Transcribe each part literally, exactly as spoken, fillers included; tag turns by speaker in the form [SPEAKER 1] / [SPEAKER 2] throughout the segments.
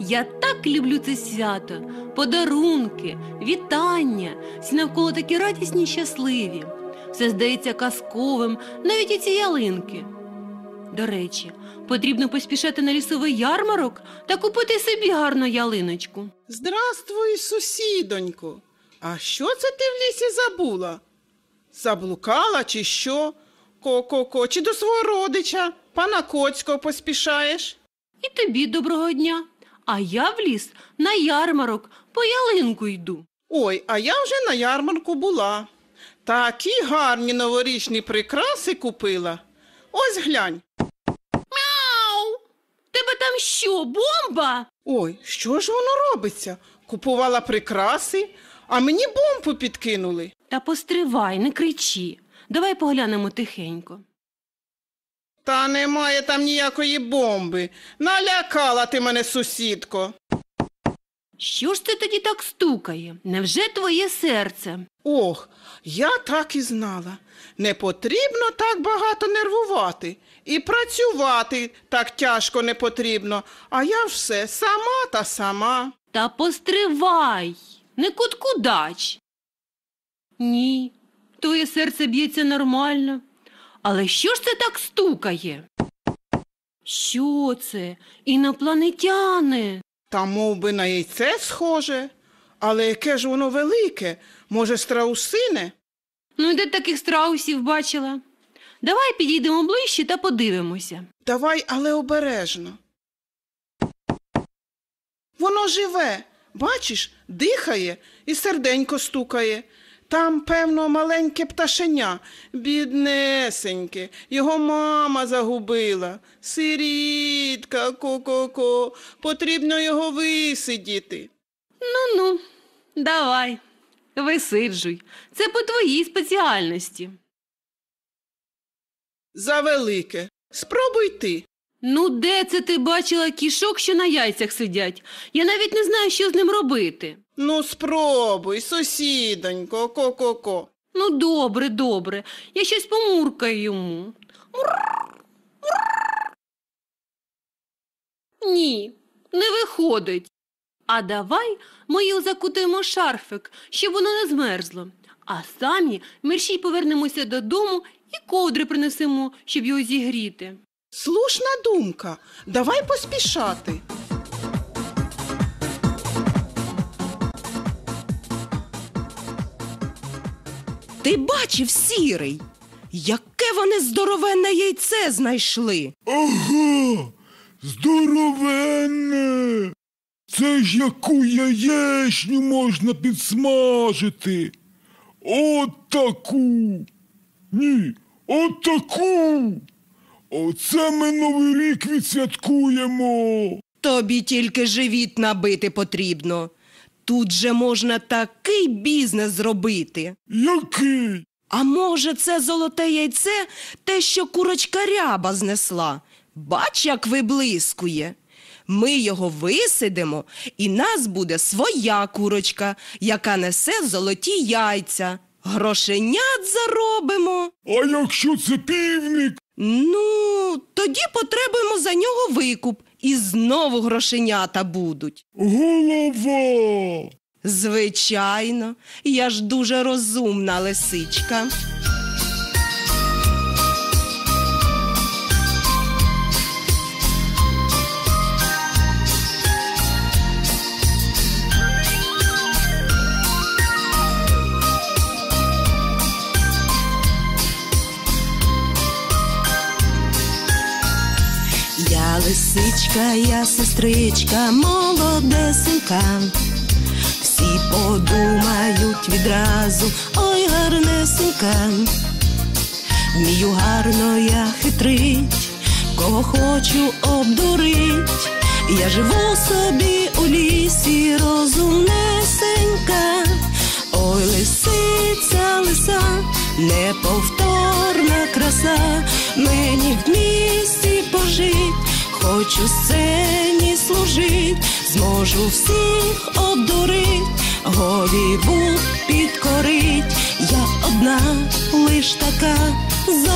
[SPEAKER 1] Я так люблю це свято. Подарунки, вітання, всі навколо такі радісні й щасливі. Все здається казковим, навіть і ці ялинки. До речі, потрібно поспішати на лісовий ярмарок та купити собі гарну ялиночку.
[SPEAKER 2] Здравствуй, сусідонько. А що це ти в лісі забула? Заблукала чи що? Ко-ко-ко, чи до свого родича, пана Коцького, поспішаєш?
[SPEAKER 1] І тобі доброго дня. А я в ліс на ярмарок по ялинку йду.
[SPEAKER 2] Ой, а я вже на ярмарку була. Такі гарні новорічні прикраси купила. Ось глянь.
[SPEAKER 1] Мяу! Тебе там що, бомба?
[SPEAKER 2] Ой, що ж воно робиться? Купувала прикраси, а мені бомбу підкинули.
[SPEAKER 1] Та постривай, не кричи. Давай поглянемо тихенько.
[SPEAKER 2] Та немає там ніякої бомби. Налякала ти мене, сусідко.
[SPEAKER 1] Що ж це тоді так стукає? Невже твоє серце?
[SPEAKER 2] Ох, я так і знала. Не потрібно так багато нервувати. І працювати так тяжко не потрібно. А я ж все сама та сама.
[SPEAKER 1] Та постривай, не куткудач. Ні, твоє серце б'ється нормально. Але що ж це так стукає? Що це? Інопланетяни?
[SPEAKER 2] Та мов би на яйце схоже. Але яке ж воно велике? Може, страусине?
[SPEAKER 1] Ну, де таких страусів бачила? Давай підійдемо ближче та подивимося.
[SPEAKER 2] Давай, але обережно. Воно живе, бачиш, дихає і серденько стукає. Там, певно, маленьке пташеня, біднесеньке, його мама загубила. Сирітка, ко-ко-ко, потрібно його висидіти.
[SPEAKER 1] Ну-ну, давай, висиджуй. Це по твоїй спеціальності.
[SPEAKER 2] Завелике. Спробуй ти.
[SPEAKER 1] Ну, де це ти бачила кішок, що на яйцях сидять? Я навіть не знаю, що з ним робити.
[SPEAKER 2] Ну, спробуй, сусідонько, ко-ко-ко.
[SPEAKER 1] Ну, добре, добре. Я щось помуркаю йому. Ні, не виходить. А давай ми його закутаємо шарфик, щоб воно не змерзло. А самі мерщій повернемося додому і ковдри принесемо, щоб його зігріти.
[SPEAKER 2] Слушна думка. Давай поспішати.
[SPEAKER 3] Ти бачив, Сірий? Яке вони здоровенне яйце знайшли?
[SPEAKER 4] Ага, здоровенне! Це ж яку яєчню можна підсмажити? От таку! Ні, от таку! Оце ми Новий рік відсвяткуємо!
[SPEAKER 3] Тобі тільки живіт набити потрібно. Тут же можна такий бізнес зробити.
[SPEAKER 4] Який?
[SPEAKER 3] А може, це золоте яйце те, що курочка Ряба знесла? Бач, як виблискує. Ми його висидимо, і нас буде своя курочка, яка несе золоті яйця. Грошенят заробимо.
[SPEAKER 4] А якщо це півник?
[SPEAKER 3] Ну, тоді потребуємо за нього викуп, і знову грошенята будуть.
[SPEAKER 4] Голова!
[SPEAKER 3] Звичайно, я ж дуже розумна лисичка. Я лисичка, я сестричка, молодесенька. Всі подумають відразу, ой, гарнесенька. Вмію гарно я хитрить, кого хочу обдурить. Я живу собі у лісі, розумнесенька. Ой, лисиця, лиса, неповторна краса. Мені в місті пожить, хочу сцені служить. Зможу всіх обдурить, Голлівуд підкорить. Я одна, лиш така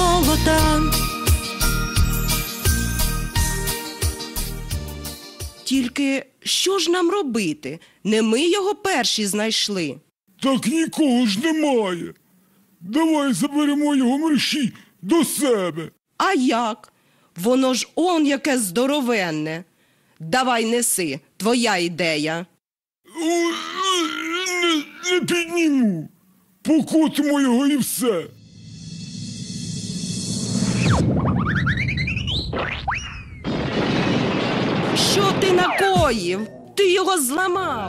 [SPEAKER 3] золота. Тільки що ж нам робити? Не ми його перші знайшли.
[SPEAKER 4] Так нікого ж немає. Давай заберемо його мерщій до себе.
[SPEAKER 3] А як? Воно ж он яке здоровенне. Давай неси, твоя ідея.
[SPEAKER 4] О, Не, не підніму. Покотимо його і все.
[SPEAKER 3] Що ти накоїв? Ти його зламав.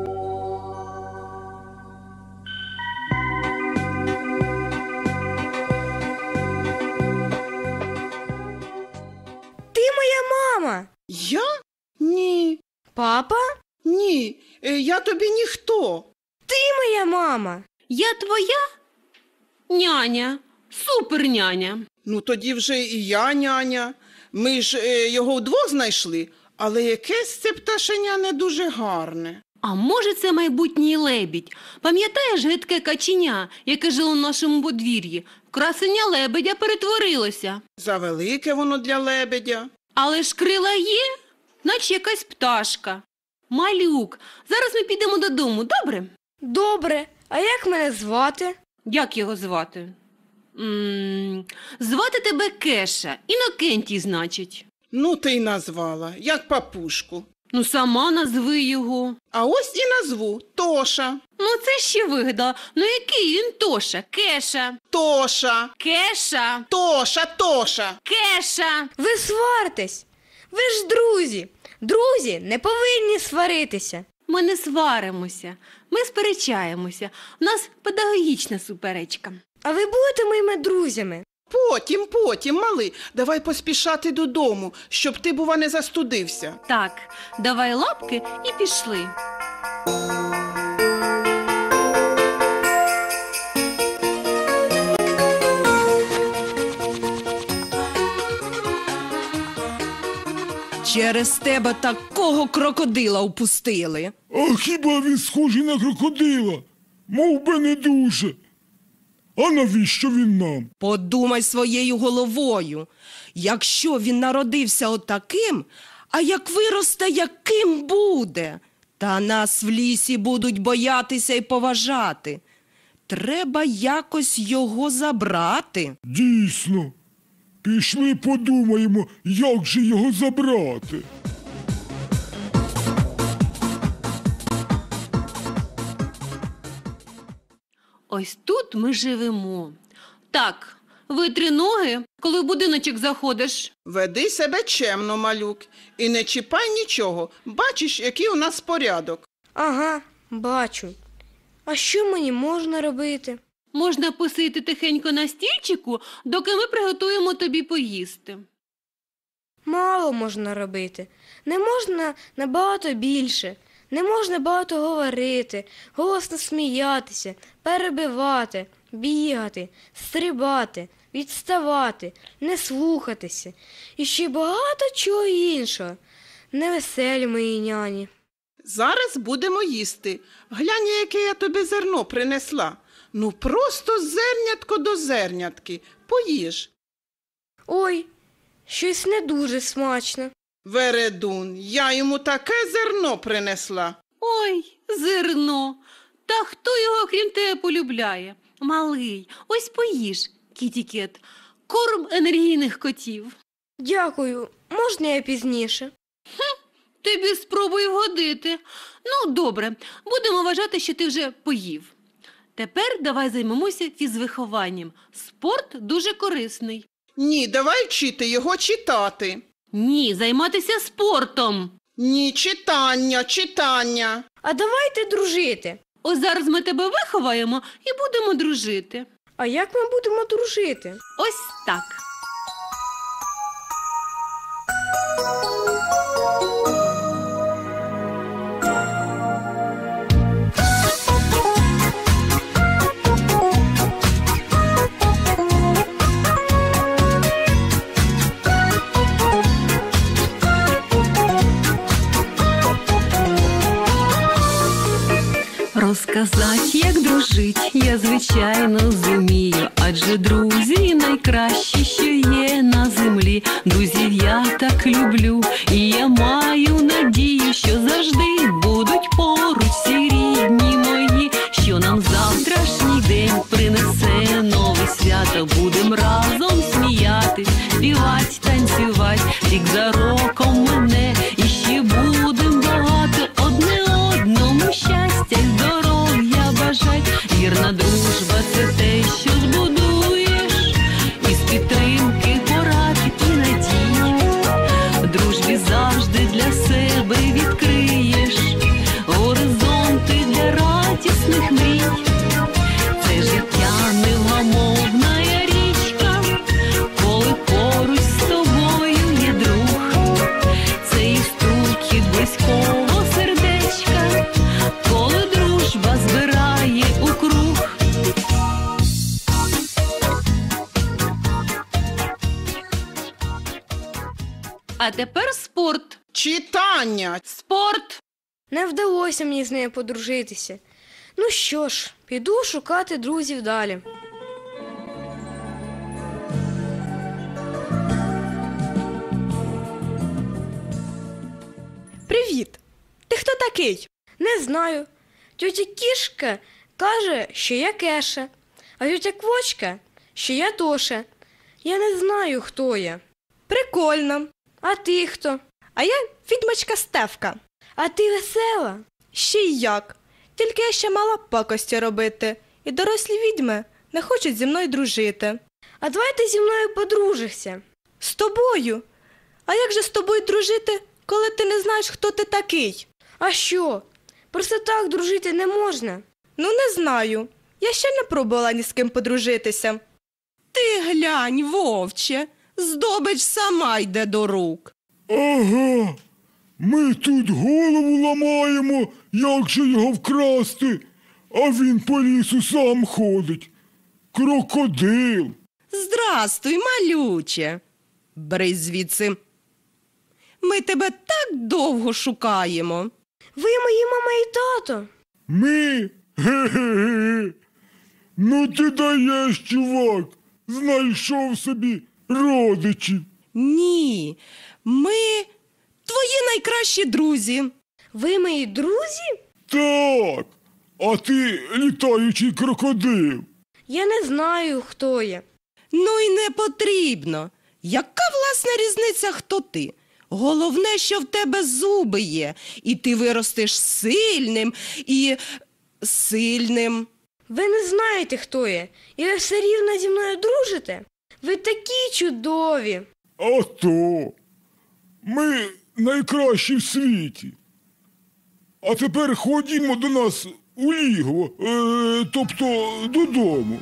[SPEAKER 5] Ти моя мама.
[SPEAKER 2] Я? Ні.
[SPEAKER 5] Папа?
[SPEAKER 2] Ні. Е, Я тобі ніхто.
[SPEAKER 5] Ти моя мама.
[SPEAKER 1] Я твоя няня, суперняня.
[SPEAKER 2] Ну тоді вже і я няня. Ми ж е, його вдвох знайшли, але якесь це пташеня не дуже гарне.
[SPEAKER 1] А може, це майбутній лебідь? Пам'ятаєш гидке каченя, яке жило в нашому подвір'ї? В красення лебедя перетворилося.
[SPEAKER 2] Завелике воно для лебедя.
[SPEAKER 1] Але ж крила є, наче якась пташка. Малюк, зараз ми підемо додому, добре?
[SPEAKER 5] Добре. А як мене звати?
[SPEAKER 1] Як його звати? М, Звати тебе Кеша, Інокентій, значить.
[SPEAKER 2] Ну ти й назвала, як папушку.
[SPEAKER 1] Ну, сама назви його.
[SPEAKER 2] А ось і назву Тоша.
[SPEAKER 1] Ну, це ще вигадала. Ну, який він Тоша? Кеша.
[SPEAKER 2] Тоша.
[SPEAKER 1] Кеша.
[SPEAKER 2] Тоша, Тоша.
[SPEAKER 1] Кеша.
[SPEAKER 5] Ви сваритесь. Ви ж друзі. Друзі не повинні сваритися.
[SPEAKER 1] Ми не сваримося, ми сперечаємося. У нас педагогічна суперечка.
[SPEAKER 5] А ви будете моїми друзями?
[SPEAKER 2] Потім, потім, малий, давай поспішати додому, щоб ти, бува, не застудився.
[SPEAKER 1] Так, давай лапки і пішли.
[SPEAKER 3] Через тебе такого крокодила впустили.
[SPEAKER 4] А хіба він схожий на крокодила? Мов би не дуже. А навіщо він нам?
[SPEAKER 3] Подумай своєю головою. Якщо він народився отаким, а як виросте, яким буде? Та нас в лісі будуть боятися і поважати. Треба якось його забрати.
[SPEAKER 4] Дійсно. Пішли подумаємо, як же його забрати.
[SPEAKER 1] Ось тут ми живемо. Так, витри ноги, коли в будиночок заходиш.
[SPEAKER 2] Веди себе чемно, малюк, і не чіпай нічого. Бачиш, який у нас порядок.
[SPEAKER 5] Ага, бачу. А що мені можна робити?
[SPEAKER 1] Можна посидіти тихенько на стільчику, доки ми приготуємо тобі поїсти.
[SPEAKER 5] Мало можна робити. Не можна набагато більше. Не можна багато говорити, голосно сміятися, перебивати, бігати, стрибати, відставати, не слухатися. І ще багато чого іншого. Невеселі мої няні.
[SPEAKER 2] Зараз будемо їсти. Глянь, яке я тобі зерно принесла. Ну просто зернятко до зернятки. Поїж.
[SPEAKER 5] Ой, щось не дуже смачно.
[SPEAKER 2] Вередун, я йому таке зерно принесла.
[SPEAKER 1] Ой, зерно. Та хто його, крім тебе, полюбляє? Малий, ось поїж, кіті-кет, корм енергійних котів.
[SPEAKER 5] Дякую, можна я пізніше?
[SPEAKER 1] Тобі спробуй вгодити. Ну, добре, будемо вважати, що ти вже поїв. Тепер давай займемося фізвихованням. Спорт дуже корисний.
[SPEAKER 2] Ні, давай вчити його читати.
[SPEAKER 1] Ні, займатися спортом.
[SPEAKER 2] Ні, читання, читання.
[SPEAKER 5] А давайте дружити.
[SPEAKER 1] Ось зараз ми тебе виховаємо і будемо дружити.
[SPEAKER 5] А як ми будемо дружити?
[SPEAKER 1] Ось так. Розказать, як дружить, я, звичайно, зумію, адже друзі найкращі, що є на землі. землі. Друзів я так люблю, і я маю надію, що завжди будуть поруч всі рідні мої, що нам завтрашній день принесе нове свято. Будем разом сміятись, співать, танцювать, рік за роком мине, і ще будем багато одне одному щастя й здоров'я бажать. Вірна дружба – це те, що збудуєш із підтримки, порад і надій. В дружбі завжди для себе відкриєш горизонти для радісних мрій. Це життя невгамовна річка, коли поруч з тобою є друг. Це і стукіт близького сердечка, коли дружба збирає у круг. А тепер спорт.
[SPEAKER 2] Читання.
[SPEAKER 1] Спорт.
[SPEAKER 5] Не вдалося мені з нею подружитися. Ну що ж, піду шукати друзів далі.
[SPEAKER 3] Привіт! Ти хто такий?
[SPEAKER 5] Не знаю. Тьотя Кішка каже, що я Кеша, а тьотя Квочка, що я Тоша. Я не знаю, хто я.
[SPEAKER 3] Прикольно.
[SPEAKER 5] А ти хто?
[SPEAKER 3] А я відьмачка Стефка.
[SPEAKER 5] А ти весела?
[SPEAKER 3] Ще й як. Тільки я ще мала пакості робити. І дорослі відьми не хочуть зі мною дружити.
[SPEAKER 5] А давай ти зі мною подружишся.
[SPEAKER 3] З тобою? А як же з тобою дружити, коли ти не знаєш, хто ти такий?
[SPEAKER 5] А що? Просто так дружити не можна.
[SPEAKER 3] Ну, не знаю. Я ще не пробувала ні з ким подружитися. Ти глянь, вовче, здобич сама йде до рук.
[SPEAKER 4] Ага. Ми тут голову ламаємо, як же його вкрасти, а він по лісу сам ходить. Крокодил.
[SPEAKER 3] Здрастуй, малюче. Бери звідси. Ми тебе так довго шукаємо.
[SPEAKER 5] Ви мої мама і тато.
[SPEAKER 4] Ми? Ге-ге-ге. Ну ти даєш, чувак. Знайшов собі родичів.
[SPEAKER 3] Ні, ми твої найкращі друзі.
[SPEAKER 5] Ви мої друзі?
[SPEAKER 4] Так. А ти літаючий крокодил.
[SPEAKER 5] Я не знаю, хто я.
[SPEAKER 3] Ну й не потрібно. Яка власна різниця, хто ти? Головне, що в тебе зуби є, і ти виростеш сильним і сильним.
[SPEAKER 5] Ви не знаєте, хто я, і ви все рівно зі мною дружите? Ви такі чудові.
[SPEAKER 4] А то. Ми найкращі в світі. А тепер ходімо до нас у лігво, е, тобто додому.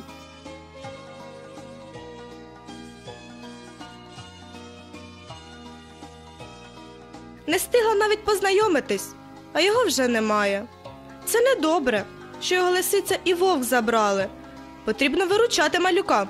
[SPEAKER 3] Не встигла навіть познайомитись, а його вже немає. Це недобре, що його лисиця і вовк забрали. Потрібно виручати малюка.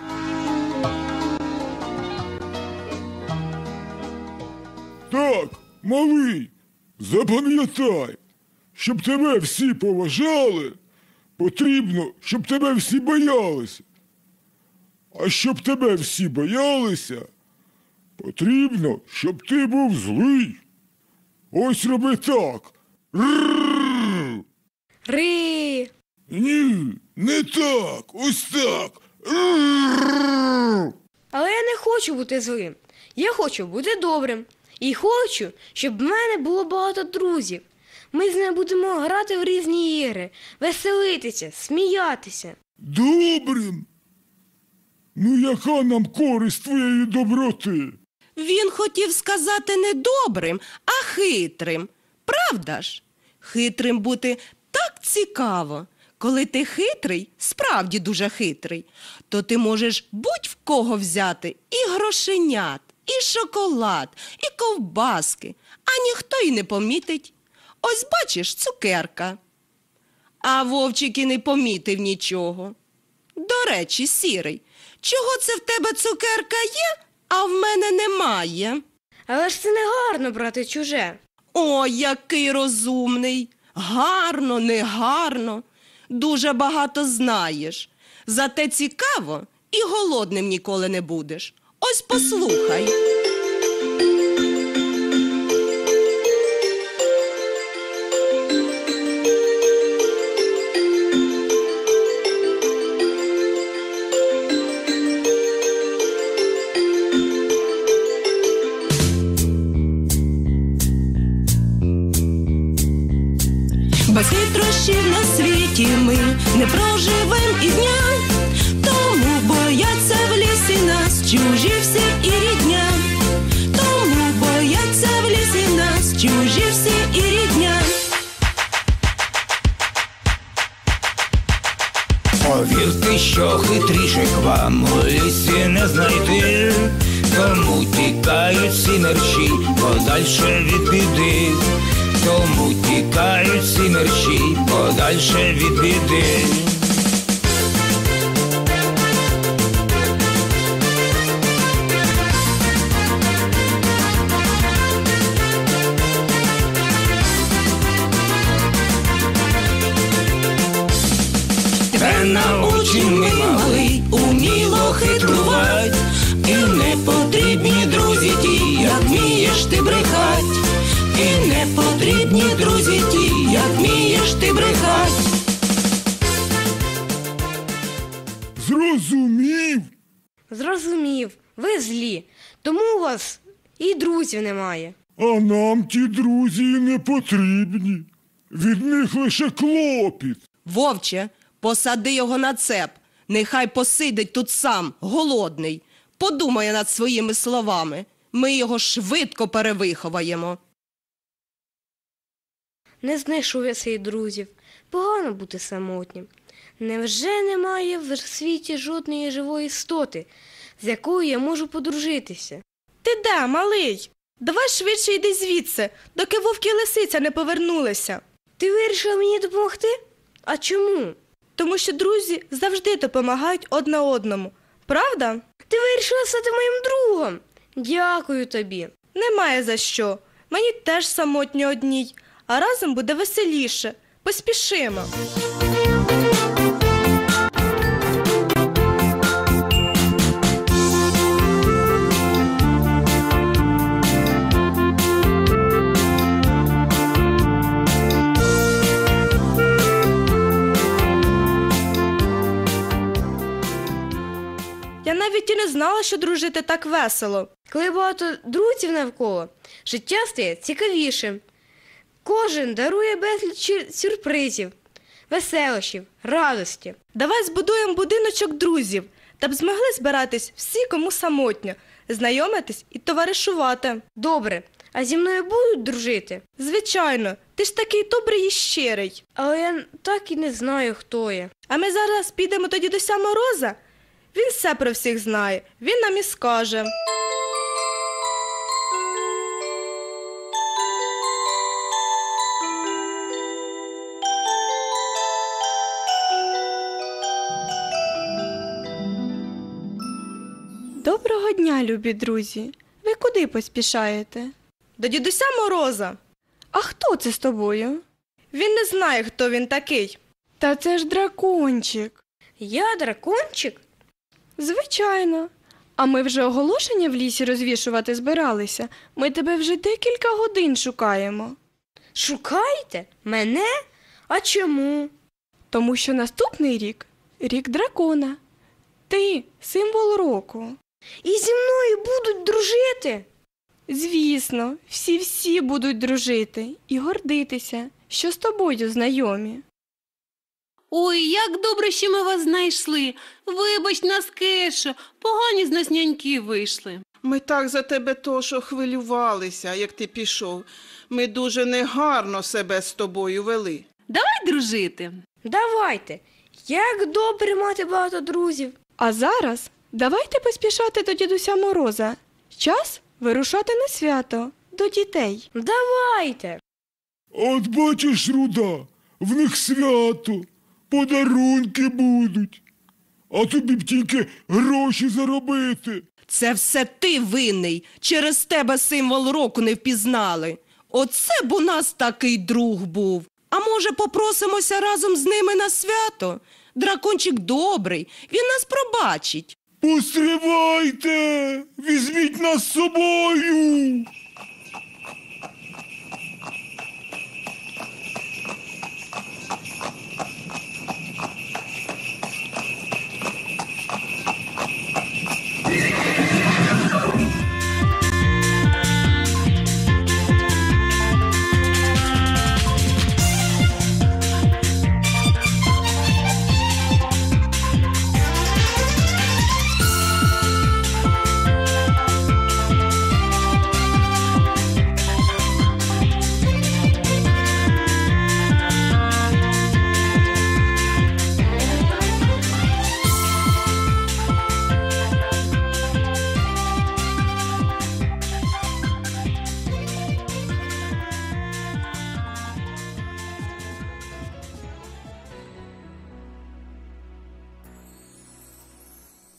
[SPEAKER 4] Так, малий, запам'ятай, щоб тебе всі поважали, потрібно, щоб тебе всі боялися. А щоб тебе всі боялися, потрібно, щоб ти був злий. Ось роби так. Рррррр.
[SPEAKER 5] Ри.
[SPEAKER 4] Ні, не так, ось так. Рррррр.
[SPEAKER 5] Але я не хочу бути злим. Я хочу бути добрим. І хочу, щоб в мене було багато друзів. Ми з ними будемо грати в різні ігри, веселитися, сміятися.
[SPEAKER 4] Добрим? Ну яка нам користь твоєї доброти?
[SPEAKER 3] Він хотів сказати не добрим, а хитрим. Правда ж? Хитрим бути так цікаво. Коли ти хитрий, справді дуже хитрий, то ти можеш будь-в кого взяти і грошенят, і шоколад, і ковбаски, а ніхто й не помітить. Ось бачиш, цукерка. А вовчик і не помітив нічого. До речі, сірий, чого це в тебе цукерка є, а в мене немає?
[SPEAKER 5] Але ж це не гарно брати чуже.
[SPEAKER 3] О, який розумний! Гарно, не гарно. Дуже багато знаєш. Зате цікаво і голодним ніколи не будеш. Ось послухай. Без хитрощів на світі ми не проживем і дня, тому бояться в лісі нас чужі всі і рідня, тому бояться в лісі нас чужі всі і рідня.
[SPEAKER 6] Повірте, що хитріших вам у лісі не знайти, тому тікають всі мерщі подальше від біди, тому тікають всі мерщі подальше від біди. Та научим ми малий уміло хитрувать, і не потрібні друзі ті, як вмієш ти брехать, і не потрібні друзі ті, як вмієш ти брехать.
[SPEAKER 4] Зрозумів?
[SPEAKER 5] Зрозумів, ви злі, тому у вас і друзів немає.
[SPEAKER 4] А нам ті друзі і не потрібні. Від них лише клопіт.
[SPEAKER 3] Вовче, посади його на цеп, нехай посидить тут сам, голодний. Подумає над своїми словами, ми його швидко перевиховаємо.
[SPEAKER 5] Не знайшов я своїх друзів. Погано бути самотнім. Невже немає в світі жодної живої істоти, з якою я можу подружитися?
[SPEAKER 7] Ти де, малий? Давай швидше йди звідси, доки вовк і лисиця не повернулися.
[SPEAKER 5] Ти вирішила мені допомогти? А чому?
[SPEAKER 7] Тому що друзі завжди допомагають одне одному. Правда?
[SPEAKER 5] Ти вирішила стати моїм другом. Дякую тобі.
[SPEAKER 7] Немає за що. Мені теж самотньо одній, а разом буде веселіше. Поспішимо. Я навіть і не знала, що дружити так весело.
[SPEAKER 5] Коли багато друзів навколо, життя стає цікавішим. Кожен дарує безліч сюрпризів, веселощів, радості.
[SPEAKER 7] Давай збудуємо будиночок друзів, та б змогли збиратись всі, кому самотньо, знайомитись і товаришувати.
[SPEAKER 5] Добре, а зі мною будуть дружити?
[SPEAKER 7] Звичайно, ти ж такий добрий і щирий.
[SPEAKER 5] Але я так і не знаю, хто я.
[SPEAKER 7] А ми зараз підемо до дідуся Мороза? Він все про всіх знає, він нам і скаже. Доброго дня, любі друзі. Ви куди поспішаєте? До дідуся Мороза. А хто це з тобою? Він не знає, хто він такий. Та це ж дракончик.
[SPEAKER 5] Я дракончик?
[SPEAKER 7] Звичайно. А ми вже оголошення в лісі розвішувати збиралися. Ми тебе вже декілька годин шукаємо.
[SPEAKER 5] Шукаєте? Мене? А чому?
[SPEAKER 7] Тому що наступний рік – рік дракона. Ти – символ року.
[SPEAKER 5] І зі мною будуть дружити?
[SPEAKER 7] Звісно, всі-всі будуть дружити і гордитися, що з тобою знайомі.
[SPEAKER 1] Ой, як добре, що ми вас знайшли. Вибач нас, Кешо, погані з нас няньки вийшли.
[SPEAKER 2] Ми так за тебе Тошо хвилювалися, як ти пішов. Ми дуже негарно себе з тобою вели.
[SPEAKER 1] Давай дружити.
[SPEAKER 5] Давайте. Як добре мати багато друзів.
[SPEAKER 7] А зараз давайте поспішати до дідуся Мороза. Час вирушати на свято, до дітей.
[SPEAKER 5] Давайте.
[SPEAKER 4] От бачиш, Руда, в них свято, подарунки будуть. А тобі б тільки гроші заробити.
[SPEAKER 3] Це все ти винний. Через тебе символ року не впізнали. Оце б у нас такий друг був. А може, попросимося разом з ними на свято? Дракончик добрий, він нас пробачить.
[SPEAKER 4] Постривайте! Візьміть нас з собою!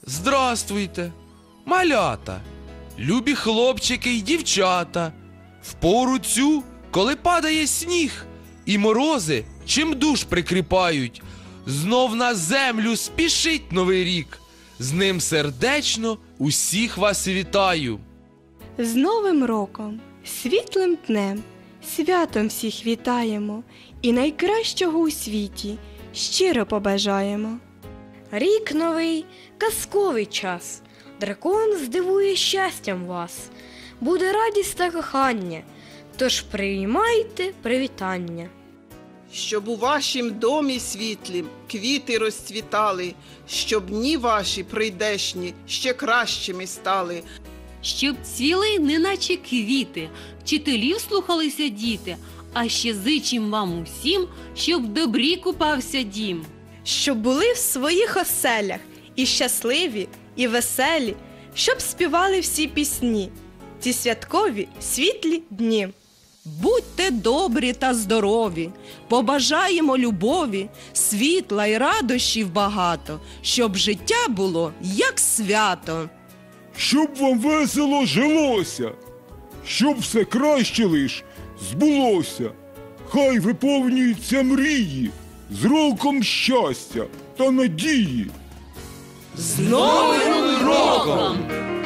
[SPEAKER 8] Здравствуйте, малята, любі хлопчики й дівчата. В пору цю, коли падає сніг, і морози чим душ прикріпають, знов на землю спішить новий рік. З ним сердечно усіх вас вітаю.
[SPEAKER 7] З Новим роком, світлим днем, святом всіх вітаємо і найкращого у світі щиро побажаємо.
[SPEAKER 5] Рік новий, казковий час, дракон здивує щастям вас. Буде радість та кохання, тож приймайте привітання.
[SPEAKER 2] Щоб у вашім домі світлім квіти розцвітали, щоб дні ваші прийдешні ще кращими стали.
[SPEAKER 1] Щоб цвіли, неначе квіти, вчителів слухалися діти, а ще зичим вам усім, щоб в добрі купався дім.
[SPEAKER 7] Щоб були в своїх оселях і щасливі, і веселі, щоб співали всі пісні, ці святкові світлі дні.
[SPEAKER 3] Будьте добрі та здорові, побажаємо любові, світла й радощів багато, щоб життя було як свято.
[SPEAKER 4] Щоб вам весело жилося, щоб все краще лиш збулося. Хай виповнюються мрії, з роком щастя та надії.
[SPEAKER 3] З Новим роком!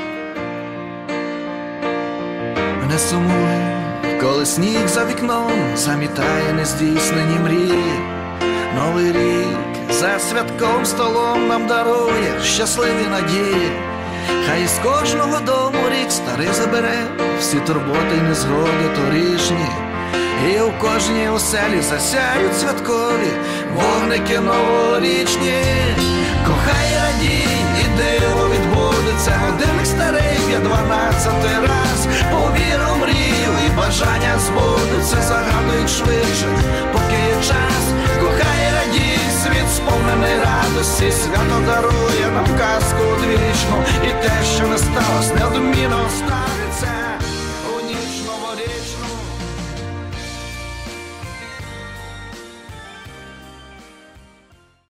[SPEAKER 9] Не сумуй, коли сніг за вікном замітає нездійснені мрії. Новий рік за святком столом нам дарує щасливі надії. Хай із кожного дому рік старий забере всі турботи й незгоди торішні. І у кожній оселі засяють святкові вогники новорічні. Кохай, радій, і диво відбудеться, годинник старий б'є дванадцятий раз. Повір у мрію, і бажання збудуться, загадують швидше, поки є час. Кохай, радій, світ сповнений радості, свят